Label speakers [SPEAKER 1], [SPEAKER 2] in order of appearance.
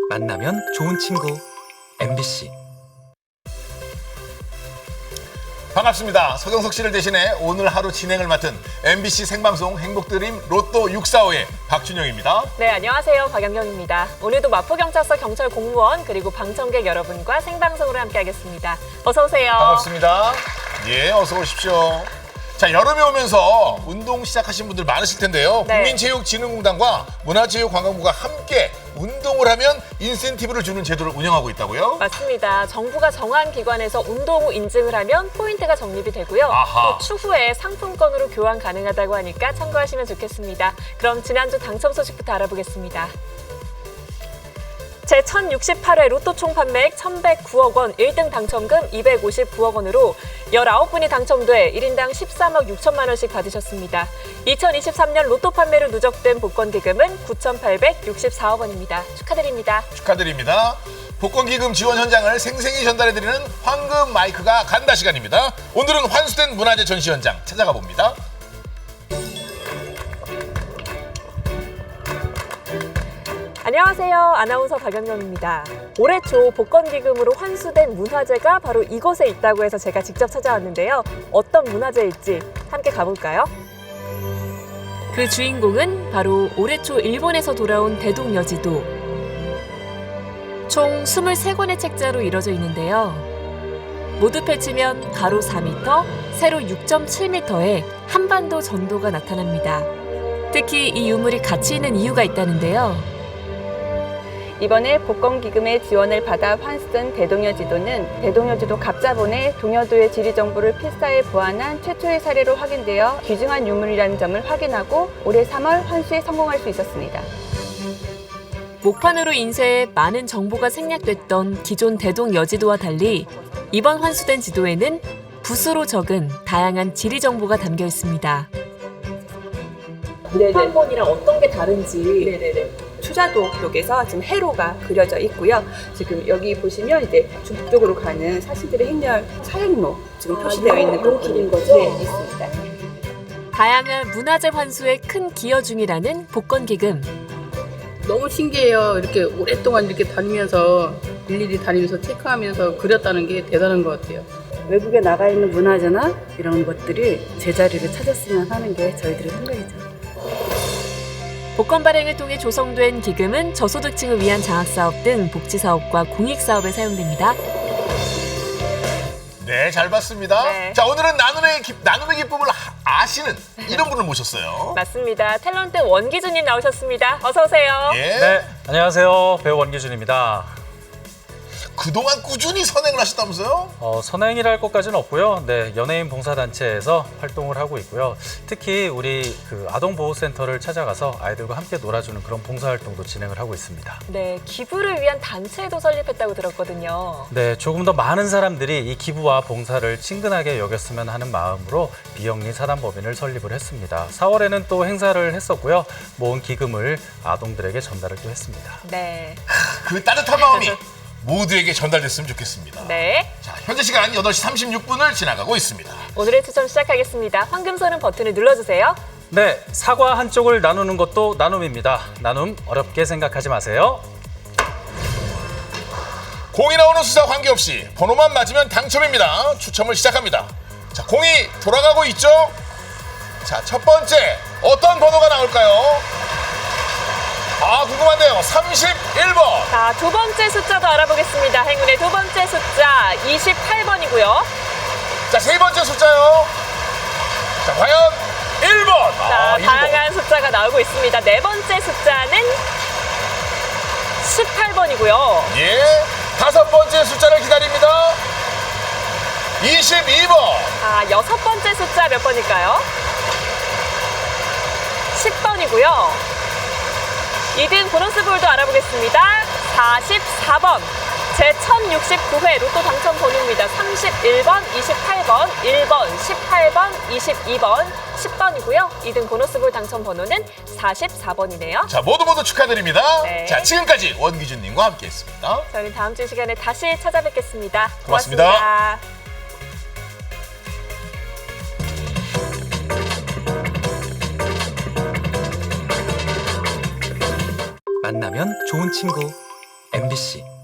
[SPEAKER 1] 만나면 좋은 친구 MBC.
[SPEAKER 2] 반갑습니다. 서경석 씨를 대신해 오늘 하루 진행을 맡은 MBC 생방송 행복드림 로또 645의 박준영입니다.
[SPEAKER 3] 네, 안녕하세요. 박연경입니다. 오늘도 마포경찰서 경찰 공무원 그리고 방청객 여러분과 생방송으로 함께하겠습니다. 어서 오세요.
[SPEAKER 2] 반갑습니다. 예, 어서 오십시오. 자, 여름이 오면서 운동 시작하신 분들 많으실 텐데요.
[SPEAKER 3] 네.
[SPEAKER 2] 국민체육진흥공단과 문화체육관광부가 함께 운동을 하면 인센티브를 주는 제도를 운영하고 있다고요?
[SPEAKER 3] 맞습니다. 정부가 정한 기관에서 운동 후 인증을 하면 포인트가 적립이 되고요.
[SPEAKER 2] 아하.
[SPEAKER 3] 또 추후에 상품권으로 교환 가능하다고 하니까 참고하시면 좋겠습니다. 그럼 지난주 당첨 소식부터 알아보겠습니다. 제1068회 로또 총 판매액 1,109억 원, 1등 당첨금 259억 원으로 19분이 당첨돼 1인당 13억 6천만 원씩 받으셨습니다. 2023년 로또 판매로 누적된 복권 기금은 9,864억 원입니다. 축하드립니다.
[SPEAKER 2] 축하드립니다. 복권기금 지원 현장을 생생히 전달해드리는 황금 마이크가 간다 시간입니다. 오늘은 환수된 문화재 전시 현장 찾아가 봅니다.
[SPEAKER 3] 안녕하세요. 아나운서 박연경입니다. 올해 초 복권기금으로 환수된 문화재가 바로 이곳에 있다고 해서 제가 직접 찾아왔는데요. 어떤 문화재일지 함께 가볼까요? 그 주인공은 바로 올해 초 일본에서 돌아온 대동여지도. 총 23권의 책자로 이뤄져 있는데요. 모두 펼치면 가로 4m, 세로 6.7m의 한반도 전도가 나타납니다. 특히 이 유물이 가치 있는 이유가 있다는데요.
[SPEAKER 4] 이번에 복권기금의 지원을 받아 환수된 대동여지도는 대동여지도 갑자본에 동여도의 지리정보를 필사에 보완한 최초의 사례로 확인되어 귀중한 유물이라는 점을 확인하고 올해 3월 환수에 성공할 수 있었습니다.
[SPEAKER 3] 목판으로 인쇄해 많은 정보가 생략됐던 기존 대동여지도와 달리 이번 환수된 지도에는 붓으로 적은 다양한 지리 정보가 담겨 있습니다. 목판본이랑 어떤 게 다른지.
[SPEAKER 4] 추자도 쪽에서 지금 해로가 그려져 있고요. 지금 여기 보시면 이제 북쪽으로 가는 사신들의 행렬 사행로 지금 표시되어 있는
[SPEAKER 3] 요 길인 거죠?
[SPEAKER 4] 네, 있습니다.
[SPEAKER 3] 다양한 문화재 환수에 큰 기여 중이라는 복권기금.
[SPEAKER 5] 너무 신기해요. 이렇게 오랫동안 이렇게 다니면서 일일이 다니면서 체크하면서 그렸다는 게 대단한 것 같아요.
[SPEAKER 6] 외국에 나가 있는 문화재나 이런 것들이 제자리를 찾았으면 하는 게 저희들의 생각이죠.
[SPEAKER 3] 복권 발행을 통해 조성된 기금은 저소득층을 위한 장학사업 등 복지사업과 공익사업에 사용됩니다.
[SPEAKER 2] 네, 잘 봤습니다.
[SPEAKER 3] 네.
[SPEAKER 2] 자, 오늘은 나눔의 기쁨을 아시는 이런 분을 모셨어요.
[SPEAKER 3] 맞습니다. 탤런트 원기준님 나오셨습니다. 어서 오세요.
[SPEAKER 2] 예.
[SPEAKER 7] 네, 안녕하세요. 배우 원기준입니다.
[SPEAKER 2] 그동안 꾸준히 선행을 하셨다면서요?
[SPEAKER 7] 선행이랄 것까지는 없고요. 네, 연예인 봉사단체에서 활동을 하고 있고요. 특히 우리 아동보호센터를 찾아가서 아이들과 함께 놀아주는 그런 봉사활동도 진행을 하고 있습니다.
[SPEAKER 3] 네, 기부를 위한 단체도 설립했다고 들었거든요.
[SPEAKER 7] 네, 조금 더 많은 사람들이 이 기부와 봉사를 친근하게 여겼으면 하는 마음으로 비영리 사단법인을 설립을 했습니다. 4월에는 또 행사를 했었고요. 모은 기금을 아동들에게 전달을 또 했습니다.
[SPEAKER 3] 네.
[SPEAKER 2] 그 따뜻한 마음이 모두에게 전달됐으면 좋겠습니다.
[SPEAKER 3] 네.
[SPEAKER 2] 자, 현재 시간 8시 36분을 지나가고 있습니다.
[SPEAKER 3] 오늘의 추첨 시작하겠습니다. 황금손은 버튼을 눌러주세요.
[SPEAKER 7] 네, 사과 한쪽을 나누는 것도 나눔입니다. 나눔 어렵게 생각하지 마세요.
[SPEAKER 2] 공이 나오는 숫자 관계없이 번호만 맞으면 당첨입니다. 추첨을 시작합니다. 자, 공이 돌아가고 있죠? 자, 첫 번째 어떤 번호가 나올까요? 아, 궁금한데요. 31번.
[SPEAKER 3] 자, 두 번째 숫자도 알아보겠습니다. 행운의 두 번째 숫자 28번이고요.
[SPEAKER 2] 자, 세 번째 숫자요. 자, 과연 1번.
[SPEAKER 3] 자,
[SPEAKER 2] 1번.
[SPEAKER 3] 다양한 숫자가 나오고 있습니다. 네 번째 숫자는 18번이고요.
[SPEAKER 2] 예. 다섯 번째 숫자를 기다립니다. 22번.
[SPEAKER 3] 자, 여섯 번째 숫자 몇 번일까요? 10번이고요. 2등 보너스볼도 알아보겠습니다. 44번. 제1069회 로또 당첨 번호입니다. 31번, 28번, 1번, 18번, 22번, 10번이고요. 2등 보너스볼 당첨 번호는 44번이네요.
[SPEAKER 2] 자, 모두 축하드립니다.
[SPEAKER 3] 네.
[SPEAKER 2] 자, 지금까지 원기준님과 함께했습니다.
[SPEAKER 3] 저희는 다음 주 시간에 다시 찾아뵙겠습니다.
[SPEAKER 2] 고맙습니다.
[SPEAKER 3] 고맙습니다.
[SPEAKER 1] 만나면 좋은 친구 MBC